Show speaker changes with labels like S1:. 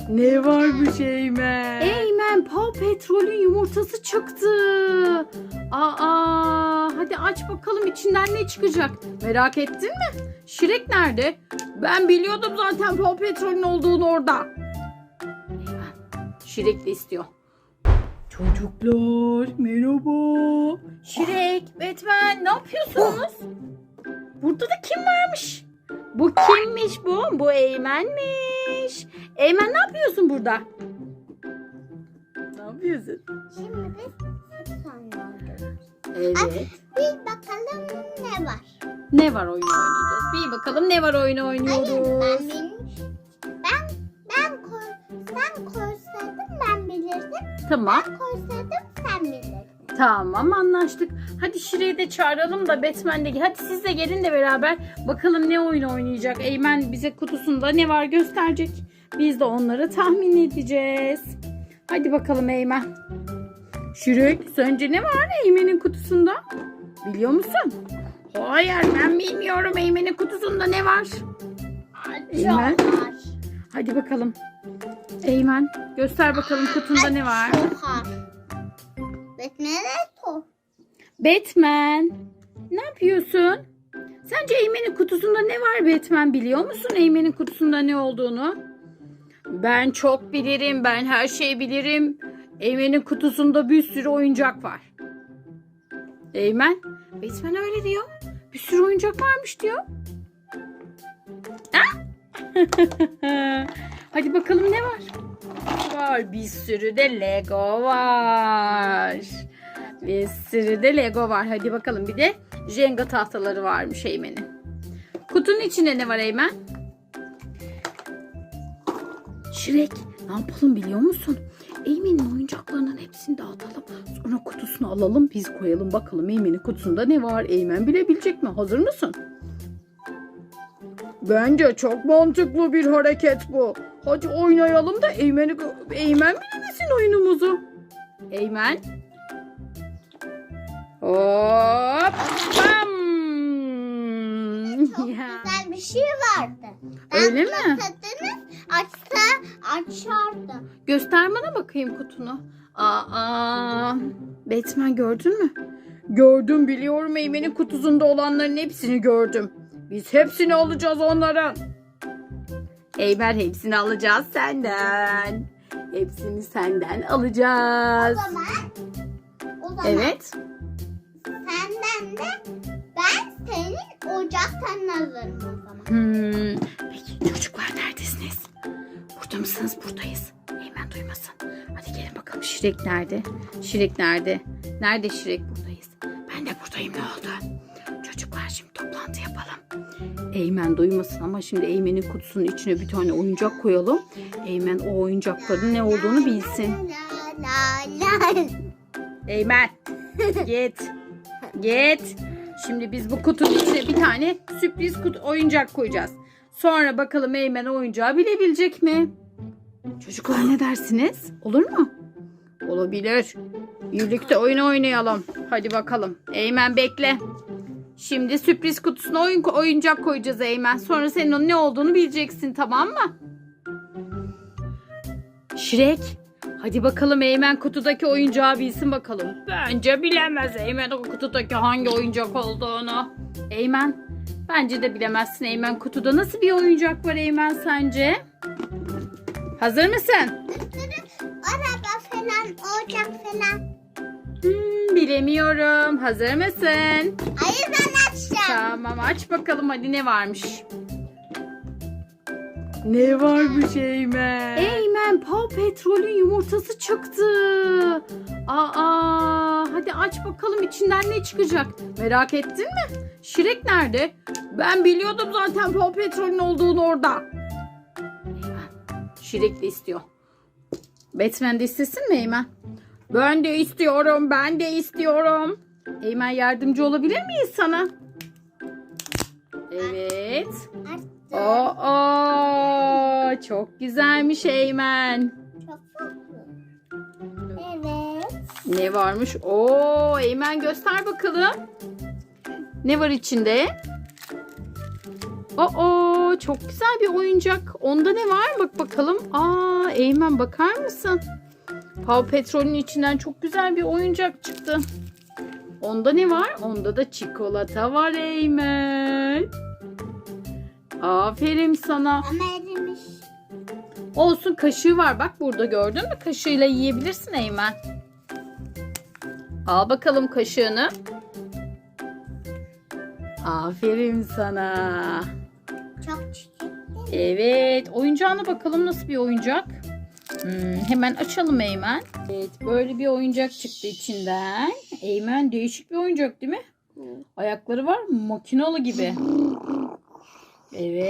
S1: Ne varmış Eymen? Eymen, Paw Patrol'ün yumurtası çıktı. Hadi aç bakalım içinden ne çıkacak. Merak ettin mi? Şirek nerede? Ben biliyordum zaten Paw Patrol'ün olduğunu orada. Eymen, Şirek de istiyor. Çocuklar merhaba. Şirek, Batman, ne yapıyorsunuz? Burada da kim varmış? Bu kimmiş bu? Bu Eymen'miş. Eymen, ne yapıyorsun burada? Ne yapıyorsun?
S2: Şimdi biz sanıyoruz.
S1: Evet.
S2: Bir bakalım ne var.
S1: Ne var oyunu oynayacağız? Bir bakalım ne var oyunu
S2: Hayır,
S1: oynuyoruz.
S2: sen koysaydın ben bilirdim.
S1: Tamam.
S2: Ben koysaydım sen bilirdin.
S1: Tamam, anlaştık. Hadi Şire'yi de çağıralım da Batman de. Hadi siz de gelin de beraber bakalım ne oyun oynayacak. Eymen bize kutusunda ne var gösterecek. Biz de onları tahmin edeceğiz. Hadi bakalım Eymen. Şirek, sence ne var Eymen'in kutusunda? Biliyor musun? Hayır, ben bilmiyorum Eymen'in kutusunda ne var. Eymen.
S2: Var.
S1: Hadi bakalım. Eymen, göster bakalım kutunda ne var.
S2: Sokar. Bekle to.
S1: Batman, ne yapıyorsun? Sence Eymen'in kutusunda ne var Batman? Biliyor musun Eymen'in kutusunda ne olduğunu? Ben çok bilirim. Ben her şeyi bilirim. Eymen'in kutusunda bir sürü oyuncak var. Eymen, Batman öyle diyor. Bir sürü oyuncak varmış diyor. Ha? Hadi bakalım ne var? Var, bir sürü de Lego var. Bir sürü de Lego var. Hadi bakalım, bir de Jenga tahtaları varmış Eymen'in. Kutunun içinde ne var Eymen? Şirek, ne yapalım biliyor musun? Eymen'in oyuncaklarının hepsini dağıtalım. Sonra kutusunu alalım, biz koyalım. Bakalım Eymen'in kutusunda ne var? Eymen bilebilecek mi? Hazır mısın? Bence çok mantıklı bir hareket bu. Hadi oynayalım da Eymen bilemesin oyunumuzu. Eymen. Hop. Bam.
S2: Çok güzel bir şey vardı.
S1: Öyle mi?
S2: Baksadınız açardı.
S1: Göster bana bakayım kutunu. Batman, gördün mü? Gördüm, biliyorum Eymen'in kutusunda olanların hepsini gördüm. Biz hepsini alacağız onların. Eymen, hepsini alacağız senden. Hepsini senden alacağız.
S2: O zaman
S1: Evet.
S2: senden de ben senin ocaktan alırım o zaman.
S1: Peki çocuklar, neredesiniz? Burada mısınız? Buradayız. Eymen duymasın. Hadi gelin bakalım, Şirek nerede? Şirek nerede? Nerede Şirek? Buradayız. Ben de buradayım, ne oldu? Çocuklar, şimdi toplantı yapalım. Eymen duymasın ama şimdi Eymen'in kutusunun içine bir tane oyuncak koyalım. Eymen o oyuncakların ne olduğunu bilsin.
S2: La.
S1: Eymen git. Git. Şimdi biz bu kutunun içine bir tane sürpriz oyuncak koyacağız. Sonra bakalım Eymen oyuncağı bilebilecek mi? Çocuklar, ne dersiniz? Olur mu? Olabilir. Birlikte oyun oynayalım. Hadi bakalım. Eymen bekle. Şimdi sürpriz kutusuna oyuncak koyacağız Eymen. Sonra senin onun ne olduğunu bileceksin, tamam mı? Şirek. Hadi bakalım Eymen kutudaki oyuncağı bilsin bakalım. Bence bilemez Eymen o kutudaki hangi oyuncak olduğunu. Eymen, bence de bilemezsin Eymen. Kutuda nasıl bir oyuncak var Eymen sence? Hazır mısın?
S2: Araba falan, ocak falan.
S1: Bilemiyorum. Hazır mısın?
S2: Hayır, ben açacağım.
S1: Tamam, aç bakalım hadi, ne varmış? Ne varmış Eymen? Eymen, Paw Patrol'ün yumurtası çıktı. Hadi aç bakalım içinden ne çıkacak. Merak ettin mi? Şirek nerede? Ben biliyordum zaten Paw Patrol'ün olduğunu orada. Eymen, Şirek de istiyor. Batman de istesin mi Eymen? Ben de istiyorum, ben de istiyorum. Eymen, yardımcı olabilir miyiz sana? Evet. Çok güzelmiş Eymen.
S2: Çok tatlı. Evet.
S1: Ne varmış? Eymen göster bakalım. Ne var içinde? Oo, çok güzel bir oyuncak. Onda ne var? Bak bakalım. Aa, Eymen bakar mısın? Paw Patrol'ün içinden çok güzel bir oyuncak çıktı. Onda ne var? Onda da çikolata var Eymen. Aferin sana.
S2: Ama erimiş.
S1: Olsun, kaşığı var. Bak burada, gördün mü? Kaşığıyla yiyebilirsin Eymen. Al bakalım kaşığını. Aferin sana.
S2: Çok çiçekli.
S1: Evet, oyuncağına bakalım nasıl bir oyuncak. Hemen açalım Eymen. Evet, böyle bir oyuncak çıktı içinden. Eymen, değişik bir oyuncak değil mi? Ayakları var, makinalı gibi. Evet.